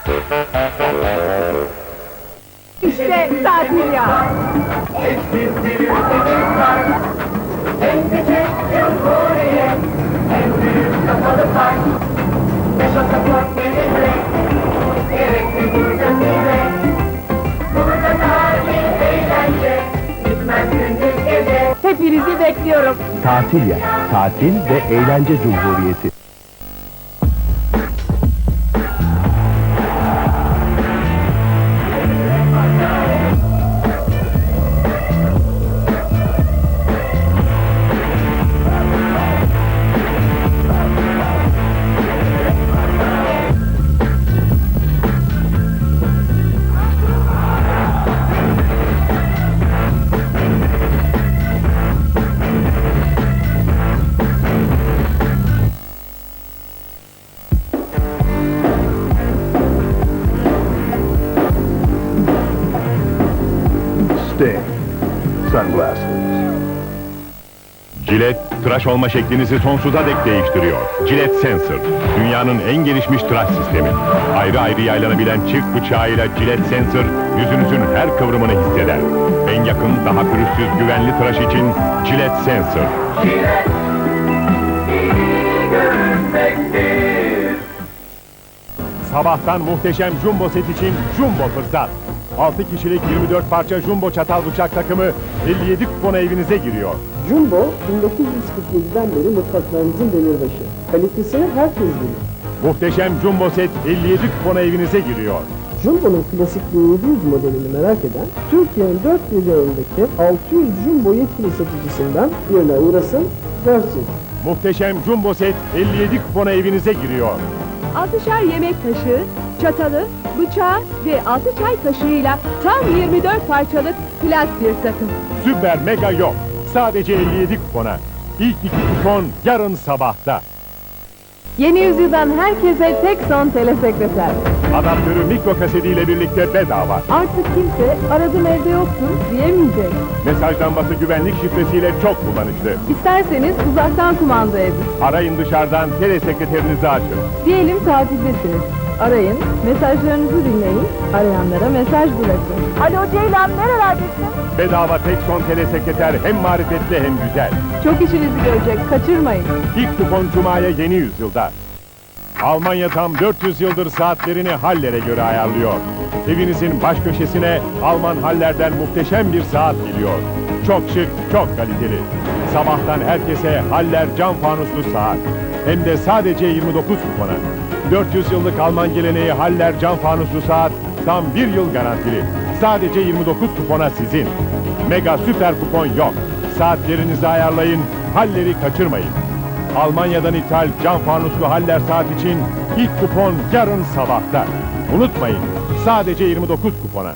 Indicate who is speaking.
Speaker 1: İşte tatil ya.
Speaker 2: Eşsiz bir ülkemiz var. En küçük cumhuriyet, en büyük kapalı park. Ne pasaport ne vize, gerekli burcasıyla. Burada tatil, eğlence, bitmez gündüz gece.
Speaker 1: Hepinizi bekliyorum.
Speaker 3: Tatil ya, tatil ve eğlence cumhuriyeti.
Speaker 4: Sting Sunglasses.
Speaker 5: Gillette, tıraş olma şeklinizi sonsuza dek değiştiriyor. Gillette Sensor, dünyanın en gelişmiş tıraş sistemi. Ayrı ayrı yaylanabilen çift bıçağıyla Gillette Sensor, yüzünüzün her kıvrımını hisseder. En yakın, daha pürüzsüz, güvenli tıraş için Gillette Sensor.
Speaker 2: Gillette, iyi görünmektir.
Speaker 5: Sabahtan muhteşem jumbo set için jumbo fırsat. 6 kişilik 24 parça jumbo çatal bıçak takımı 57 kupona evinize giriyor.
Speaker 6: Jumbo, 1947'den beri mutfaklarımızın demirbaşı. Kalitesini herkes bilir.
Speaker 5: Muhteşem jumbo set 57 kupona evinize giriyor.
Speaker 6: Jumbo'nun klasik 1700 modelini merak eden, Türkiye'nin 4 bir yanındaki 600 Jumbo yetkili satıcısından birine uğrasın, görsün.
Speaker 5: Muhteşem jumbo set 57 kupona evinize giriyor.
Speaker 1: 6'şer yemek kaşığı, çatalı, bıçağı ve 6 çay kaşığıyla tam 24 parçalık plas bir takım.
Speaker 5: Süper mega yok. Sadece 57 kupona. İlk 2 kupon yarın sabahta.
Speaker 1: Yeni yüzyıldan herkese tek son telesekreter.
Speaker 5: Adaptörü mikro kasetiyle birlikte bedava.
Speaker 1: Artık kimse aradım evde yoktur diyemeyecek.
Speaker 5: Mesaj lambası güvenlik şifresiyle çok kullanışlı.
Speaker 1: İsterseniz uzaktan kumanda edin.
Speaker 5: Arayın dışarıdan, telesekreterinizi açın.
Speaker 1: Diyelim tatildesiniz. Arayın, mesajlarınızı dinleyin, arayanlara mesaj bırakın. Alo Ceylan, nerelerdesin?
Speaker 5: Bedava tek son telesekreter hem marifetli hem güzel.
Speaker 1: Çok işinizi görecek, kaçırmayın.
Speaker 5: İlk kupon Cuma'ya yeni yüzyılda. Almanya tam 400 yıldır saatlerini Haller'e göre ayarlıyor. Evinizin baş köşesine Alman Haller'den muhteşem bir saat geliyor. Çok şık, çok kaliteli. Sabahtan herkese Haller cam fanuslu saat. Hem de sadece 29 kupona. 400 yıllık Alman geleneği Haller cam fanuslu saat tam 1 yıl garantili. Sadece 29 kupona sizin. Mega süper kupon yok. Saatlerinizi ayarlayın, Haller'i kaçırmayın. Almanya'dan ithal cam fanuslu Haller saat için ilk kupon yarın sabahta. Unutmayın, sadece 29 kupona.